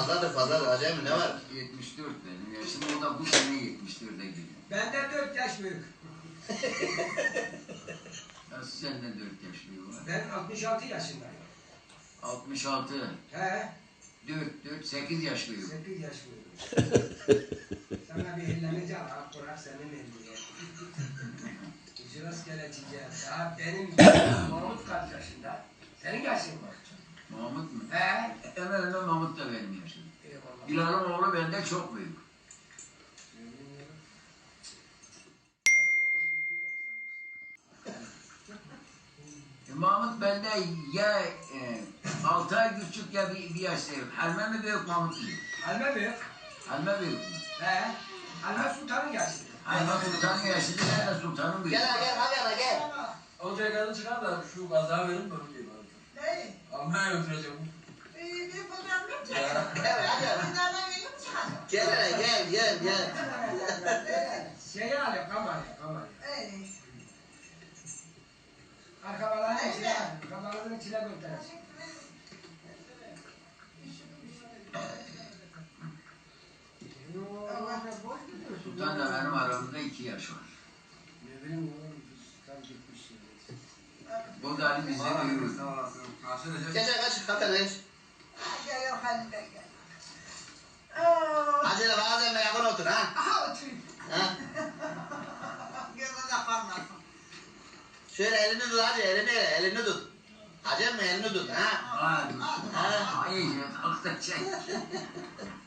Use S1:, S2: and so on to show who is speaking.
S1: Fazladır Acemi ne var?
S2: 74 benim yaşım, o da bu sene 74'e giriyor.
S3: Benden 4 yaş büyük.
S2: Nasıl senden 4 yaş büyük var?
S3: Ben 66 yaşındayım.
S2: 66.
S3: He,
S2: 8 yaş büyük.
S3: 8 yaş büyük. Sana bir ellemeci al, bırak senin elini. Şurası gelecek. Daha benim Mahmut kaç yaşında? Senin yaşın var.
S2: Mahmut mu?
S3: He?
S2: Hemen hemen Mahmut da benim yaşım.
S3: Eyvallah.
S2: Bilal'ın oğlu benden çok büyük. Mahmut benden ya 6 ay küçük ya bir yaş büyük. Halme mi büyük, Mahmut mu?
S3: Halme büyük.
S2: Halme büyük mü?
S3: He? Halme Sultan'ın yaşında.
S2: Halme Sultan'ın yaşında, ben de Sultan'ın büyük.
S1: Gel hadi gel.
S4: Olacak kadın çıkar da şu kazağı verin bana diyeyim artık.
S5: Ne?
S4: Almanya götüreceğim.
S5: Bir fotoğraf yok.
S1: Evet hadi.
S5: Bizlerden gelip çıkacağım.
S1: Gel.
S3: Şeyi al ya, kamerayı. Arkabaların içine al. Arkabaların içine götürecek.
S2: Sultan'la benim aramızda 2 yaş var.
S3: Ne bileyim oğlum, tam gitmiş şimdi.
S2: Bu da Ali bizden büyük.
S1: Kaç kapıya geç.
S5: Gel Halide gel.
S1: Acele bazen yakın otur ha.
S5: Aha oturayım.
S1: Ha?
S5: Gözüne kalmasın.
S1: Şöyle elini tut hadi elini tut. Acemi elini tut ha.
S2: Ha, iyice kalktı çek.